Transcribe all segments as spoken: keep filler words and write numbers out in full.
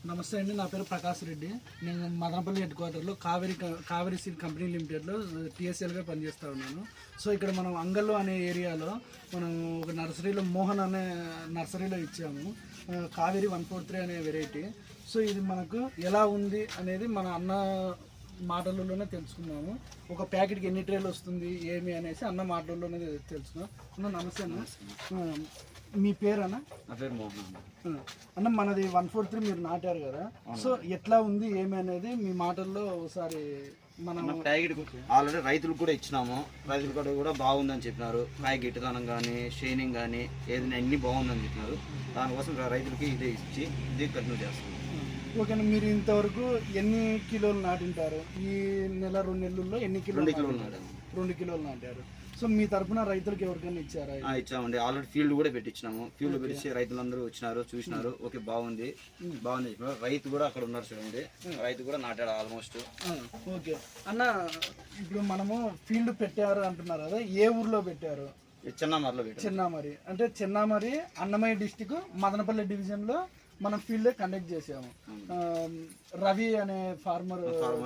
నమస్తే అండి, నా పేరు ప్రకాష్ రెడ్డి. నేను మదనపల్లి హెడ్ క్వార్టర్లో కావేరి కావేరి సీడ్ కంపెనీ లిమిటెడ్లో టీఎస్ఎల్గా పనిచేస్తూ ఉన్నాను. సో ఇక్కడ మనం అంగల్లో అనే ఏరియాలో మనం ఒక నర్సరీలో మోహన్ అనే నర్సరీలో ఇచ్చాము కావేరి వన్ ఫోర్ త్రీ అనే వెరైటీ. సో ఇది మనకు ఎలా ఉంది అనేది మన అన్న మాటల్లోనే తెలుసుకున్నాము. ఒక ప్యాకెట్కి ఎన్ని ట్రేలు వస్తుంది ఏమి అనేసి అన్న మాటల్లోనే తెలుసుకున్నాం. అన్న నమస్తే అన్న, మీ పేరు అన్న? నా పేరు మోహన్ అన్న. మనది వన్ ఫోర్ త్రీ మీరు నాటారు కదా, సో ఎట్లా ఉంది ఏమి అనేది మీ మాటల్లో ఒకసారి మనం ప్యాకెట్ ఆల్రెడీ రైతులకు కూడా ఇచ్చినాము. రైతులు కూడా కూడా బాగుందని చెప్పినారు. కాయ గిట్టుదనం కానీ షైనింగ్ కానీ ఏదైనా అన్ని బాగుందని చెప్పినారు. దానికోసం రైతులకి ఇదే ఇచ్చి ఇదే కంటిన్యూ చేస్తున్నాం. ఓకేనా, మీరు ఇంతవరకు ఎన్ని కిలోలు నాటింటారు? ఈ నెల రెండు నెలల్లో ఎన్ని కిలోలు? రెండు కిలోలు నాటాము. రెండు కిలోలు నాటారు. సో మీ తరఫున రైతులకు ఎవరికైనా ఇచ్చారా? ఇచ్చామండి. ఆల్రెడీ ఫీల్డ్ కూడా పెట్టించినాము. ఫీల్డ్ పెట్టించి రైతులందరూ వచ్చినారు, చూసినారు. ఓకే బాగుంది బాగుంది చెప్పినారు. రైతు కూడా అక్కడ ఉన్నారు చూడండి, రైతు కూడా నాటాడు ఆల్మోస్ట్. ఓకే అన్న, ఇప్పుడు మనము ఫీల్డ్ పెట్టారు అంటున్నారు కదా, ఏ ఊర్లో పెట్టారు? చిన్నామరిలో పెట్టారు. చిన్నామరి అంటే చిన్నామరి అన్నమయ్య డిస్టిక్ మదనపల్లి డివిజన్ లో మనం ఫీల్డ్ కండక్ట్ చేసాము. రవి అనే ఫార్మర్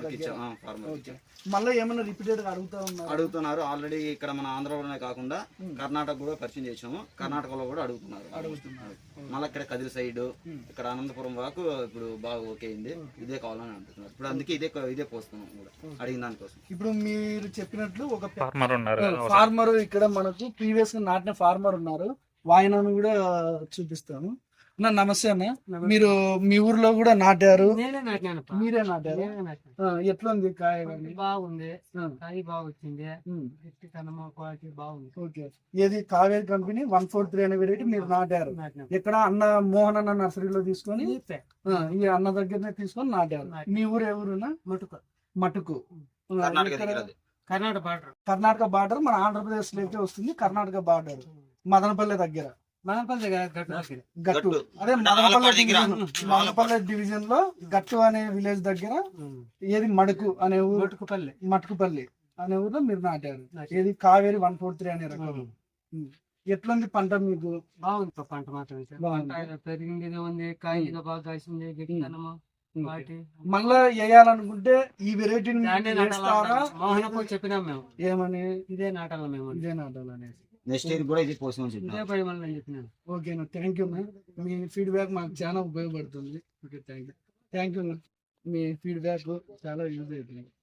మళ్ళీ ఏమైనా రిపీటెడ్ గా అడుగుతా ఉన్నారు అడుగుతున్నారు ఆల్రెడీ ఇక్కడ మన ఆంధ్రలోనే కాకుండా కర్ణాటక కూడా పరిచయం చేసాము. కర్ణాటకలో కూడా అడుగుతున్నారు అడుగుతున్నారు మళ్ళీ ఇక్కడ కదిరి సైడ్ ఇక్కడ అనంతపురం వరకు ఇప్పుడు బాగా ఓకే అయింది. ఇదే కావాలని అంటున్నారు. ఇప్పుడు అందుకే ఇదే ఇదే పోస్తున్నాం కూడా అడిగిన దానికోసం. ఇప్పుడు మీరు చెప్పినట్లు ఒక ఫార్మర్ ఉన్నారు, ఫార్మర్ ఇక్కడ మనకు ప్రీవియస్ గా నాటిన ఫార్మర్ ఉన్నారు. వాయనను కూడా చూపిస్తాను. నా నమస్తే అన్న, మీరు మీ ఊర్లో కూడా నాటారు? మీరే నాటారు? ఎట్లా ఉంది కాయ? బాగుంది, కాయ బాగా వచ్చింది, క్వాలిటీ బాగుంది. ఓకే, ఏది Kaveri company one four three అనే వెరైటీ మీరు నాటారు. ఇక్కడ అన్న మోహన్ అన్న నర్సరీలో తీసుకొని ఈ అన్న దగ్గరనే తీసుకొని నాటారు. మీ ఊరు ఏ ఊరునా? మటుకు. మటుకు కర్ణాటక బార్డర్. కర్ణాటక బార్డర్ మన ఆంధ్రప్రదేశ్ లోకి వస్తుంది. కర్ణాటక బార్డర్ మదనపల్లి దగ్గర. మదనపల్లి గట్టు అదే మదనపల్లి మదనపల్లి డివిజన్ లో గట్టు అనే విలేజ్ దగ్గర ఏది మడుకు అనే ఊరు, మటుకుపల్లి మటుకుపల్లి అనే ఊర్లో మీరు నాటారు. ఏది కావేరి వన్ ఫోర్ త్రీ అనే రకం. ఎట్లుంది పంట మీకు? బాగుంది పంట మాత్రం పెరిగింది ఉంది, కాయ బాగా కాసింది, గిట్టనము. మళ్ళా వేయాలనుకుంటే ఈ వెరైటీని చెప్పినాం మేము. ఏమని? ఇదే నాటాలి మేము, ఇదే నాటాలనేసి. నెక్స్ట్ ఇయర్ కూడా ఇది పోస్ట్ చెప్పినాను. ఓకేనా, థ్యాంక్ యూ మ్యామ్. మీ ఫీడ్బ్యాక్ మాకు చాలా ఉపయోగపడుతుంది. Okay, thank you thank you మీ ఫీడ్బ్యాక్ చాలా యూజ్ అవుతుంది.